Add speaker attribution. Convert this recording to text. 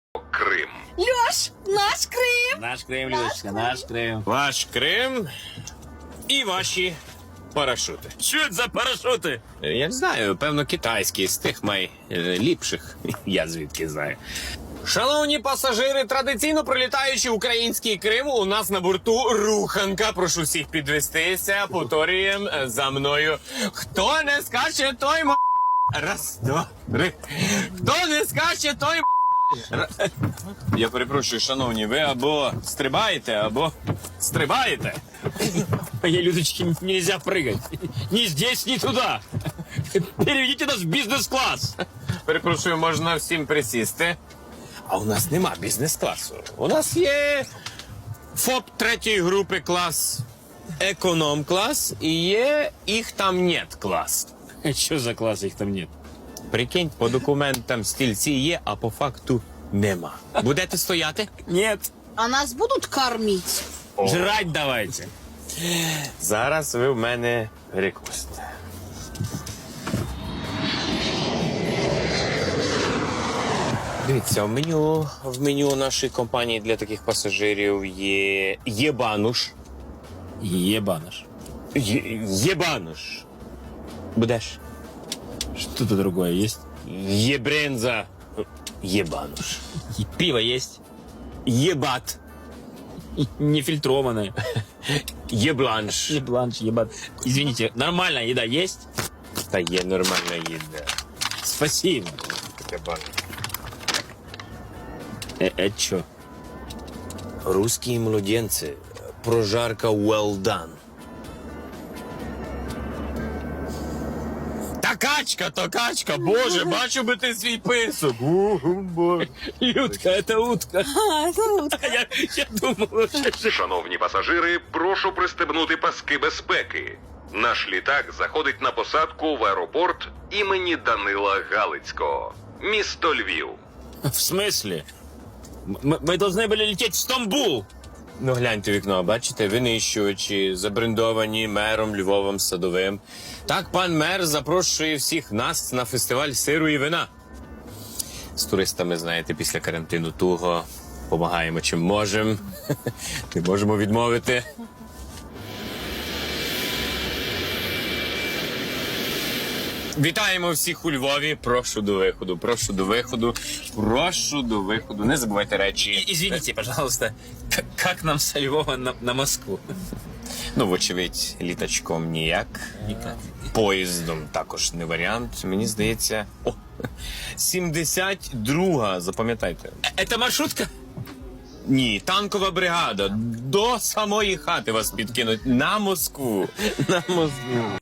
Speaker 1: Крим.
Speaker 2: Льош, наш Крим!
Speaker 3: Наш Крим, Людочка, наш Крим.
Speaker 4: Ваш Крим і ваші парашути.
Speaker 3: Що це за парашути?
Speaker 4: Я не знаю, певно, китайські, з тих найліпших. Я звідки знаю. Шановні пасажири, традиційно пролітаючи український Крим, у нас на борту руханка. Прошу всіх підвестися, повторюємо за мною. Хто не скаче, той м... Раз, два, три. Хто не скаче, той м... Я перепрошую, шановні, ви або стрибаєте, або стрибаєте.
Speaker 3: Моей Людочке нельзя прыгать. Ни здесь, ни туда. Переведите нас в бизнес-класс.
Speaker 4: Перепрошую, можна всім присісти. А у нас нема бізнес-класу. У нас є ФОП третьої групи клас, економ-клас і є їх там нет клас.
Speaker 3: Что за класс, их там нет?
Speaker 4: Прикинь, по документам стільці є, а по факту нема. Будете стояти?
Speaker 3: Нет.
Speaker 2: А нас будуть кормити?
Speaker 3: Жрать давайте.
Speaker 4: Зараз ви в мене перекусите. Дивіться, в меню нашої компанії для таких пасажирів є єбануш.
Speaker 3: Ебаныш.
Speaker 4: Єбануш. Будеш?
Speaker 3: Что-то другое есть?
Speaker 4: Єбренза. Єбануш.
Speaker 3: Пиво есть?
Speaker 4: Єбат.
Speaker 3: Нефильтрованное.
Speaker 4: Єбланш.
Speaker 3: Ебланш, ебат. Извините, нормальная еда есть?
Speaker 4: Та є нормальна їда.
Speaker 3: Спасибо.
Speaker 4: Єбануш.
Speaker 3: Это что?
Speaker 4: Русські младенці. Прожарка well done. Та качка, боже, бачу би ти свій писок. Боже.
Speaker 3: Людка, это утка. Я думал, что...
Speaker 1: Шановні пасажири, прошу пристебнути паски безпеки. Наш літак заходить на посадку в аеропорт імені Данила Галицького. Місто Львів.
Speaker 3: В смысле? Мы должны были лететь в Стамбул.
Speaker 4: Ну, гляньте в вікно, бачите, винищувачі, забрендовані мером Львовом Садовим. Так пан мер запрошує всіх нас на фестиваль сиру і вина. З туристами, знаєте, після карантину туго. Помагаємо чим можемо. Не можемо відмовити. Вітаємо всіх у Львові. Прошу до виходу, прошу до виходу, прошу до виходу. Не забувайте речі.
Speaker 3: Извините, пожалуйста, как нам со Львова на Москву?
Speaker 4: Ну, вочевидь, літачком ніяк.
Speaker 3: Никак.
Speaker 4: Поїздом також не варіант. Мені здається... О, 72-га, запам'ятайте.
Speaker 3: Это маршрутка?
Speaker 4: Ні, танкова бригада. До самої хати вас підкинуть. На Москву. На Москву.